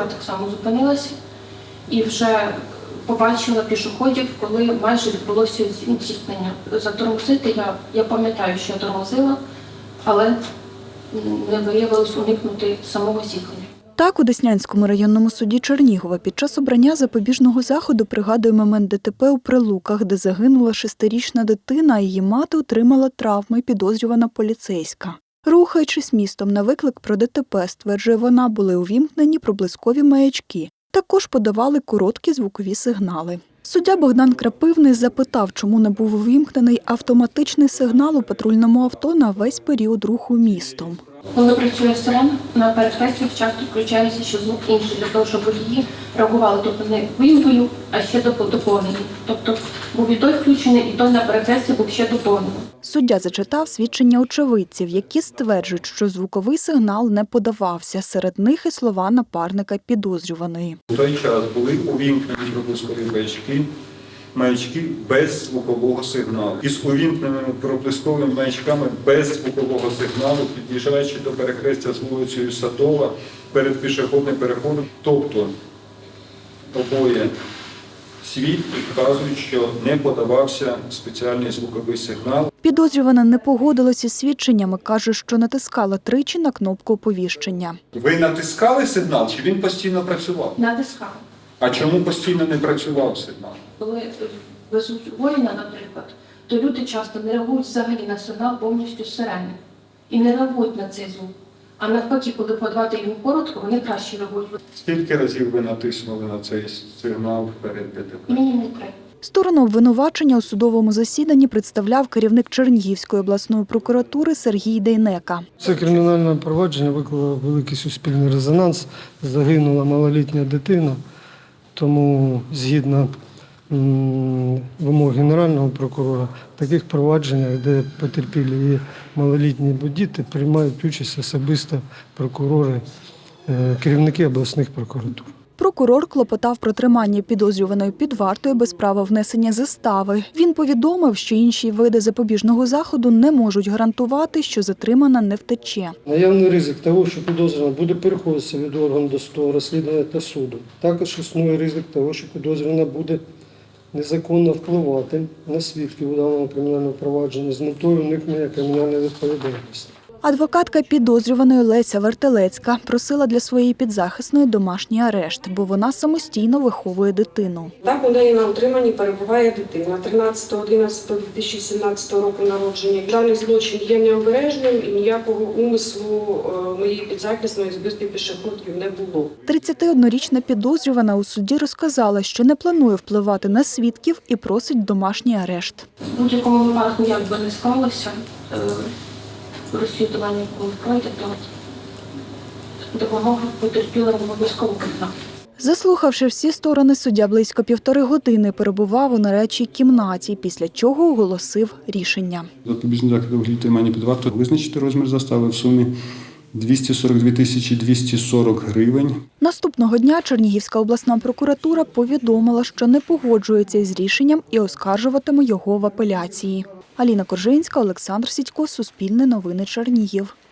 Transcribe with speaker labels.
Speaker 1: так само зупинилася і вже побачила пішоходів, коли майже відбулося зіткнення. Затормозити я пам'ятаю, що я тормозила, але не виявилось уникнути самого зіткнення.
Speaker 2: Так, у Деснянському районному суді Чернігова під час обрання запобіжного заходу пригадує момент ДТП у Прилуках, де загинула 6-річна дитина, а її мати отримала травми, підозрювана поліцейська. Рухаючись містом на виклик про ДТП, стверджує вона, були увімкнені проблискові маячки. Також подавали короткі звукові сигнали. Суддя Богдан Крапивний запитав, чому не був увімкнений автоматичний сигнал у патрульному авто на весь період руху містом.
Speaker 1: Коли працює сирена, на перехрестях часто включається ще звук інший, для того, щоб водії реагували, тобто не вимкою, а ще доповнені. Тобто був і той включений, і той на перехресті був ще доповнений.
Speaker 2: Суддя зачитав свідчення очевидців, які стверджують, що звуковий сигнал не подавався. Серед них і слова напарника підозрюваної.
Speaker 3: У той час були увімкнені проблискові маячки без звукового сигналу. Із увімкненими проблисковими маячками без звукового сигналу, під'їжджаючи до перехрестя з вулицею Садова перед пішохідним переходом. Тобто обоє свідки вказують, що не подавався спеціальний звуковий сигнал.
Speaker 2: Підозрювана не погодилася із свідченнями, каже, що натискала тричі на кнопку оповіщення.
Speaker 3: Ви натискали сигнал, чи він постійно працював?
Speaker 1: Натискали.
Speaker 3: А чому постійно не працював сигнал?
Speaker 1: Коли везуть воїна, наприклад, то люди часто не реагують взагалі на сигнал повністю з сирени. І не реагують на цей звук. А навпаки, коли подавати їм коротко, вони краще реагують.
Speaker 3: Скільки разів ви натиснули на цей сигнал перед ДТП?
Speaker 1: Мінімум 3.
Speaker 2: Сторону обвинувачення у судовому засіданні представляв керівник Чернігівської обласної прокуратури Сергій Дейнека.
Speaker 4: Це кримінальне провадження викликало великий суспільний резонанс. Загинула малолітня дитина, тому згідно вимог Генерального прокурора, в таких провадженнях, де потерпілі і малолітні діти, приймають участь особисто прокурори, керівники обласних прокуратур.
Speaker 2: Прокурор клопотав про тримання підозрюваної під вартою без права внесення застави. Він повідомив, що інші види запобіжного заходу не можуть гарантувати, що затримана не втече.
Speaker 4: Наявний ризик того, що підозрювана буде переходитися від органу досудового розслідування та суду. Також існує ризик того, що підозрювана буде незаконно впливати на свідків у даному кримінальному провадженні з метою уникнення кримінальної відповідальності.
Speaker 2: Адвокатка підозрюваної Леся Вертелецька просила для своєї підзахисної домашній арешт, бо вона самостійно виховує дитину.
Speaker 5: Так, у неї на утриманні перебуває дитина 13.11.2017 року народження. Даний злочин є необережним і ніякого умислу моєї підзахисної збитки пішоходів не було.
Speaker 2: 31-річна підозрювана у суді розказала, що не планує впливати на свідків і просить домашній арешт.
Speaker 1: В будь-якому випадку, як би не склалося, розслідування, коли пройде, то допомога потерпілим обов'язково потрібна.
Speaker 2: Заслухавши всі сторони, суддя близько 1,5 години перебував у нарадчій кімнаті, після чого оголосив рішення.
Speaker 3: Запобіжний захід у вигляді тримання під вартою визначити розмір застави в сумі 242 240 гривень.
Speaker 2: Наступного дня Чернігівська обласна прокуратура повідомила, що не погоджується із рішенням і оскаржуватиме його в апеляції. Аліна Коржинська, Олександр Сідько, Суспільне новини, Чернігів.